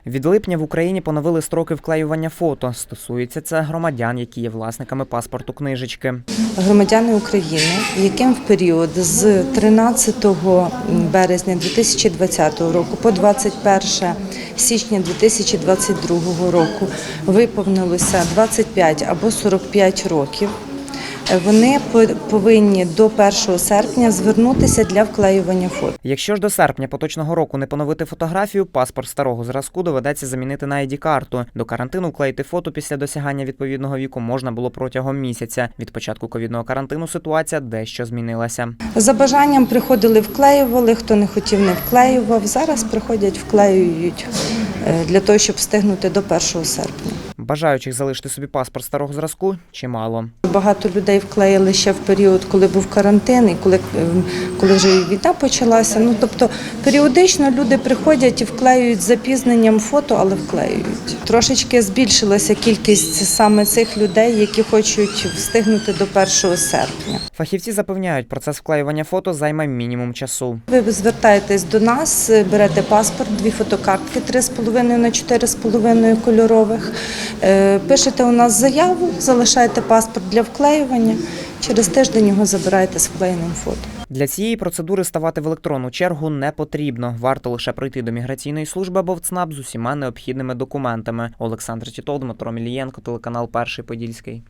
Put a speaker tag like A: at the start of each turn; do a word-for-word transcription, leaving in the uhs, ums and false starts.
A: Від липня в Україні поновили строки вклеювання фото. Стосується це громадян, які є власниками паспорту-книжечки.
B: Громадяни України, яким в період з тринадцятого березня дві тисячі двадцятого року по двадцять перше січня дві тисячі двадцять другого року виповнилося двадцять п'ять або сорок п'ять років, вони повинні до першого серпня звернутися для вклеювання фото.
A: Якщо ж до серпня поточного року не поновити фотографію, паспорт старого зразку доведеться замінити на ай ді-карту. До карантину вклеїти фото після досягання відповідного віку можна було протягом місяця. Від початку ковідного карантину ситуація дещо змінилася.
B: За бажанням приходили, вклеювали, хто не хотів, не вклеював. Зараз приходять, вклеюють для того, щоб встигнути до першого серпня.
A: Бажаючих залишити собі паспорт старого зразку чимало.
B: Багато людей вклеїли ще в період, коли був карантин і коли, коли вже війна почалася. Ну, тобто періодично люди приходять і вклеюють з запізненням фото, але вклеюють. Трошечки збільшилася кількість саме цих людей, які хочуть встигнути до першого серпня.
A: Фахівці запевняють, процес вклеювання фото займе мінімум часу.
B: Ви звертаєтесь до нас, берете паспорт, дві фотокартки три з половиною на чотири з половиною кольорових, пишете у нас заяву, залишаєте паспорт для вклеювання, через тиждень його забираєте з вклеєним фото.
A: Для цієї процедури ставати в електронну чергу не потрібно. Варто лише прийти до міграційної служби або в ЦНАП з усіма необхідними документами. Олександр Тітов, Дмитро Мілієнко, телеканал Перший Подільський.